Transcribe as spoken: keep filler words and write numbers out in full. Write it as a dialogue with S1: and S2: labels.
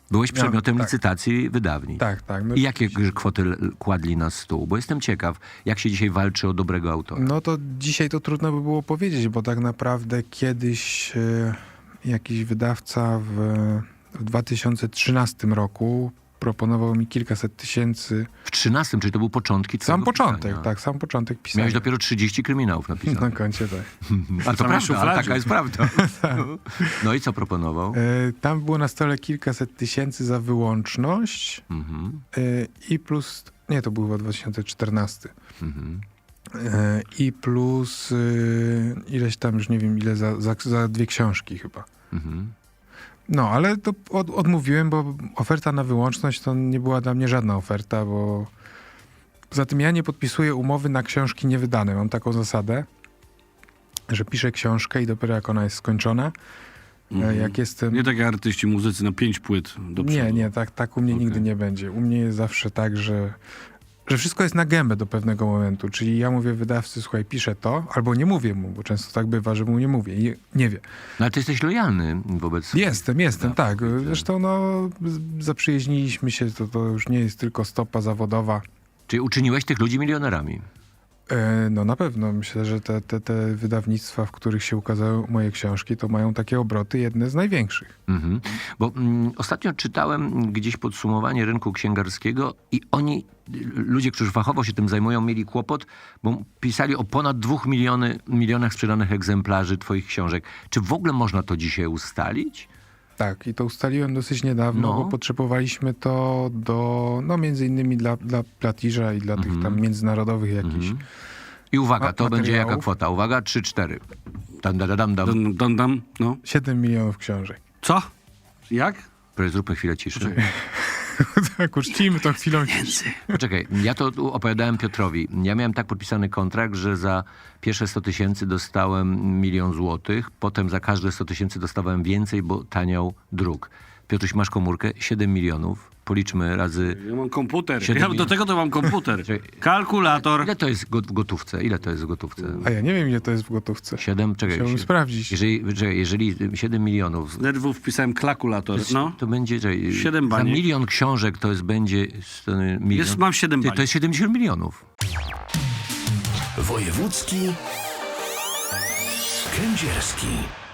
S1: Byłeś przedmiotem
S2: tak.
S1: licytacji wydawni.
S2: Tak, tak. No,
S1: I jakie kwoty l- kładli na stół? Bo jestem ciekaw, jak się dzisiaj walczy o dobrego autora.
S2: no to dzisiaj to trudno by było powiedzieć, bo tak naprawdę kiedyś e, jakiś wydawca w, w dwa tysiące trzynastym roku proponował mi kilkaset tysięcy.
S1: W trzynastym, czyli to był początki
S2: Sam
S1: twojego
S2: początek,
S1: pisania.
S2: tak, sam początek pisania.
S1: Miałeś dopiero trzydzieści kryminałów
S2: na
S1: napisanych.
S2: koncie, tak.
S1: A to
S3: samej
S1: prawda, ale
S3: szufladzie.
S1: taka jest prawda. No i co proponował?
S2: E, tam było na stole kilkaset tysięcy za wyłączność
S1: Mhm,
S2: e, i plus, nie, to był chyba dwa tysiące czternasty.
S1: mhm.
S2: E, I plus e, ileś tam, już nie wiem ile, za, za, za dwie książki chyba.
S1: Mhm.
S2: No, ale to od, odmówiłem, bo oferta na wyłączność to nie była dla mnie żadna oferta, bo poza tym ja nie podpisuję umowy na książki niewydane. Mam taką zasadę, że piszę książkę i dopiero jak ona jest skończona,
S3: Mhm.
S2: e, jak jestem...
S3: Nie tak jak artyści, muzycy na pięć płyt do przodu.
S2: Nie, nie, tak, tak u mnie
S3: Okej.
S2: nigdy nie będzie. U mnie jest zawsze tak, że, że wszystko jest na gębę do pewnego momentu. Czyli ja mówię wydawcy, słuchaj, piszę to, albo nie mówię mu, bo często tak bywa, że mu nie mówię i nie wie.
S1: No ale ty jesteś lojalny wobec...
S2: Jestem, jestem,
S1: No,
S2: tak.
S1: widzę.
S2: Zresztą no, z- zaprzyjaźniliśmy się, to, to już nie jest tylko stopa zawodowa.
S1: Czyli uczyniłeś tych ludzi milionerami.
S2: E, no na pewno, myślę, że te, te, te wydawnictwa, w których się ukazały moje książki, to mają takie obroty, jedne z największych.
S1: Mhm. Bo mm, ostatnio czytałem gdzieś podsumowanie rynku księgarskiego i oni, y, ludzie, którzy fachowo się tym zajmują, mieli kłopot, bo pisali o ponad dwóch miliony, milionach sprzedanych egzemplarzy twoich książek. Czy w ogóle można to dzisiaj ustalić?
S2: Tak, i to ustaliłem dosyć niedawno,
S1: No.
S2: bo potrzebowaliśmy to do, no między innymi dla, dla Platiża i dla
S1: Mhm.
S2: tych tam międzynarodowych jakichś.
S1: I uwaga,
S2: Ma-
S1: to będzie jaka
S2: materiałów?
S1: kwota? Uwaga, trzy cztery. Dam, dam, dam, dam.
S3: Dam, dam, dam, no.
S2: siedem milionów książek.
S3: Co? Jak?
S1: Proszę, zróbmy chwilę ciszy.
S2: Tak, uczcijmy tą chwilą.
S1: Poczekaj, ja to tu opowiadałem Piotrowi. Ja miałem tak podpisany kontrakt, że za pierwsze sto tysięcy dostałem milion złotych, potem za każde sto tysięcy dostawałem więcej, bo taniał druk. Piotruś, masz komórkę? siedem milionów. Policzmy razy...
S3: Ja mam komputer.
S1: Siedem
S3: Ja, do
S1: minut.
S3: tego to mam komputer.
S1: Czekaj.
S3: Kalkulator.
S1: Ile to jest go- w gotówce? Ile to jest w gotówce?
S2: A ja nie wiem, ile to jest w gotówce.
S1: Siedem? Czekaj.
S2: Chciałbym
S1: sie-
S2: sprawdzić.
S1: Jeżeli, czekaj, jeżeli siedem milionów,
S3: Z nerwów wpisałem kalkulator. No.
S1: to będzie... Czekaj,
S3: Siedem
S1: za
S3: baniek.
S1: milion książek to jest będzie... sto- Milion.
S3: Jest, mam siedem
S1: Ty,
S3: baniek.
S1: to jest siedemdziesiąt milionów.
S4: Wojewódzki Kędzierski.